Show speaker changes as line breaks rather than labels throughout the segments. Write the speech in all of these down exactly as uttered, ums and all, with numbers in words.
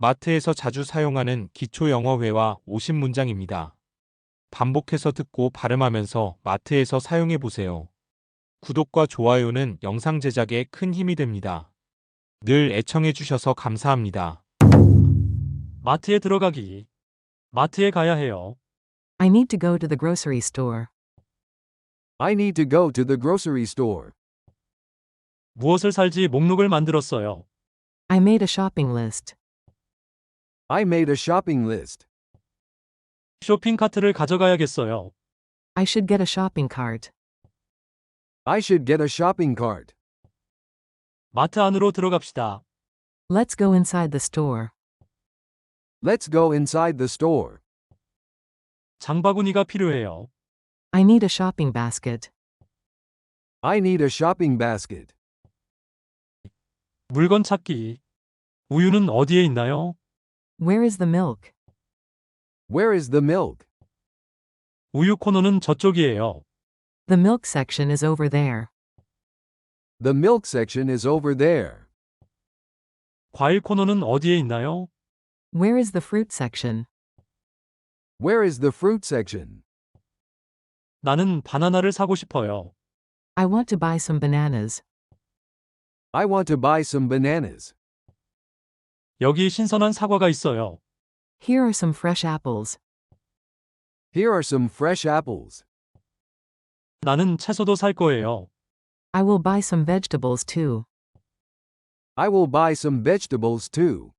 마트에서 자주 사용하는 기초 영어 회화 오십 문장입니다. 반복해서 듣고 발음하면서 마트에서 사용해 보세요. 구독과 좋아요는 영상 제작에 큰 힘이 됩니다. 늘 애청해 주셔서 감사합니다.
마트에 들어가기. 마트에 가야 해요.
I need to go to the grocery store.
I need to go to the grocery store.
무엇을 살지 목록을 만들었어요.
I made a shopping list.
I made a shopping list.
쇼핑 카트를 가져가야겠어요.
I should get a shopping cart.
I should get a shopping cart.
마트 안으로 들어갑시다.
Let's go inside the store.
Let's go inside the store.
장바구니가 필요해요.
I need a shopping basket.
I need a shopping basket.
물건 찾기. 우유는 어디에 있나요?
Where is the milk?
Where is the milk?
우유 코너는 저쪽이에요.
The milk section is over there.
The milk section is over there.
과일 코너는 어디에 있나요?
Where is the fruit section?
Where is the fruit section?
나는 바나나를 사고 싶어요.
I want to buy some bananas.
I want to buy some bananas.
여기 신선한 사과가 있어요.
Here are some fresh apples.
Here are some fresh apples.
나는 채소도 살 거예요.
I will buy some vegetables too.
I will buy some vegetables too.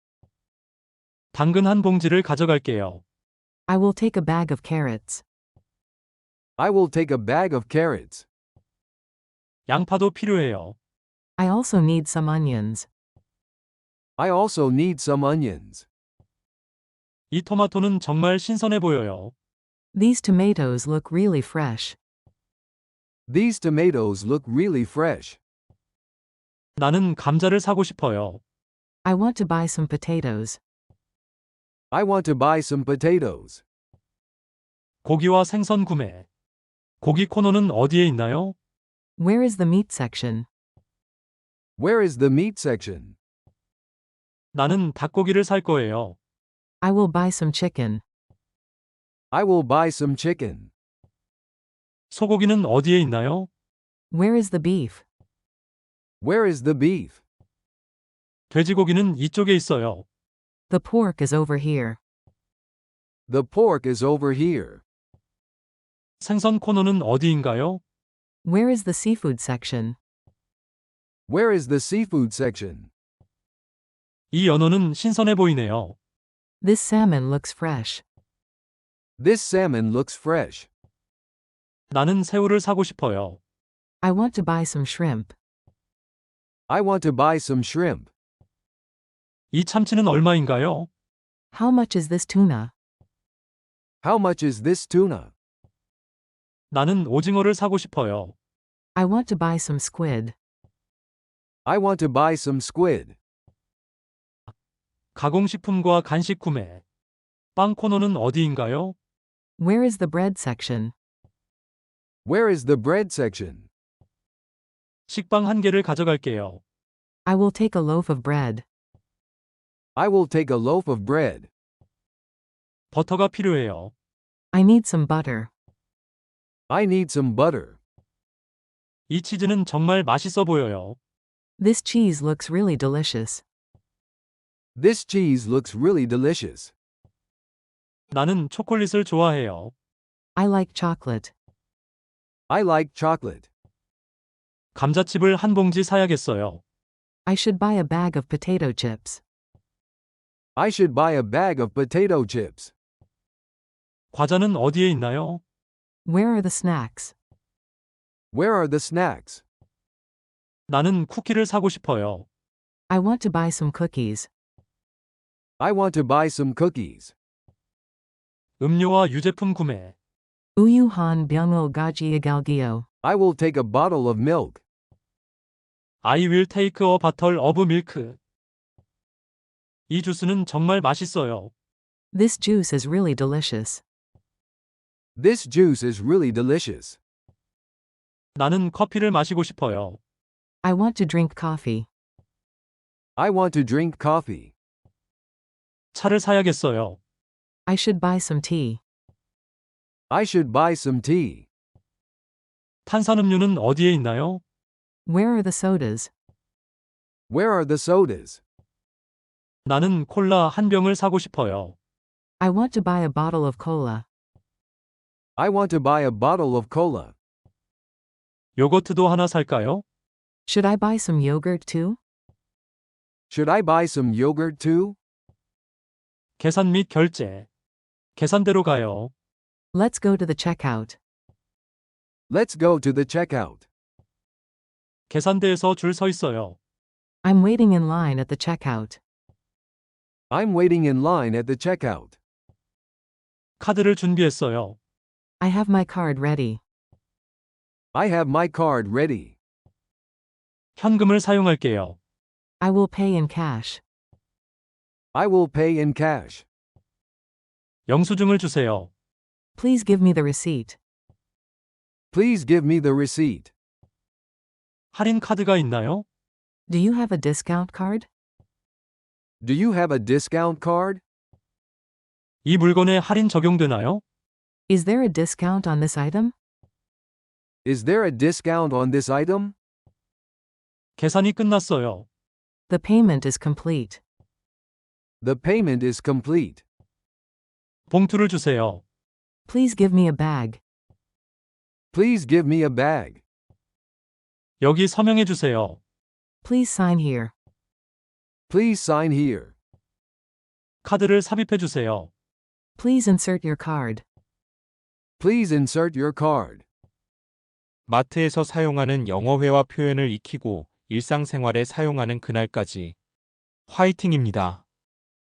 당근 한 봉지를 가져갈게요.
I will take a bag of carrots.
I will take a bag of carrots.
양파도 필요해요.
I also need some onions.
I also need some onions.
이 토마토는 정말 신선해 보여요.
These tomatoes look really fresh.
These tomatoes look really fresh.
나는 감자를 사고 싶어요.
I want to buy some potatoes.
I want to buy some potatoes.
고기와 생선 구매. 고기 코너는 어디에 있나요?
Where is the meat section?
Where is the meat section?
나는 닭고기를 살 거예요.
I will buy some chicken.
I will buy some chicken.
소고기는 어디에 있나요?
Where is the beef?
Where is the beef?
돼지고기는 이쪽에 있어요.
The pork is over here.
The pork is over here.
생선 코너는 어디인가요?
Where is the seafood section?
Where is the seafood section?
이 연어는 신선해 보이네요.
This salmon looks fresh.
This salmon looks fresh.
나는 새우를 사고 싶어요.
I want to buy some shrimp.
I want to buy some shrimp.
이 참치는 얼마인가요?
How much is this tuna?
How much is this tuna?
나는 오징어를 사고 싶어요.
I want to buy some squid.
I want to buy some squid.
가공식품과 간식 구매. 빵 코너는 어디인가요?
Where is the bread section?
Where is the bread section?
식빵 한 개를 가져갈게요.
I will take a loaf of bread.
I will take a loaf of bread.
버터가 필요해요.
I need some butter.
I need some butter.
이 치즈는 정말 맛있어 보여요.
This cheese looks really delicious.
This cheese looks really delicious.
나는 초콜릿을 좋아해요.
I like chocolate.
I like chocolate.
감자칩을 한 봉지 사야겠어요.
I should buy a bag of potato chips.
I should buy a bag of potato chips.
과자는 어디에 있나요?
Where are the snacks?
Where are the snacks?
나는 쿠키를 사고 싶어요.
I want to buy some cookies.
I want to buy some cookies.
음료와 유제품 구매.
Uyuhan byungul gaji igalgyo.
I will take a bottle of milk.
I will take a bottle of milk. 이 주스는 정말 맛있어요.
This juice is really delicious.
This juice is really delicious.
나는 커피를 마시고 싶어요.
I want to drink coffee.
I want to drink coffee.
차를 사야겠어요.
I should buy some tea.
I should buy some tea.
탄산음료는 어디에 있나요?
Where are the sodas?
Where are the sodas?
나는 콜라 한 병을 사고 싶어요.
I want to buy a bottle of cola.
I want to buy a bottle of cola.
요거트도 하나 살까요?
Should I buy some yogurt too?
Should I buy some yogurt too?
계산 및 결제. 계산대로 가요.
Let's go to the checkout.
Let's go to the checkout.
계산대에서 줄 서 있어요.
I'm waiting in line at the checkout.
I'm waiting in line at the checkout.
카드를 준비했어요.
I have my card ready.
I have my card ready.
현금을 사용할게요.
I will pay in cash.
I will pay in cash.
영수증을 주세요.
Please give me the receipt.
Please give me the receipt.
할인 카드가 있나요?
Do you have a discount card?
Do you have a discount card?
이 물건에 할인 적용되나요?
Is there a discount on this item?
Is there a discount on this item?
계산이 끝났어요.
The payment is complete.
The payment is complete.
봉투를 주세요.
Please give me a bag.
Please give me a bag.
여기 서명해 주세요.
Please sign here.
Please sign here.
카드를 삽입해 주세요.
Please insert your card.
Please insert your card.
마트에서 사용하는 영어회화 표현을 익히고 일상생활에 사용하는 그날까지 화이팅입니다.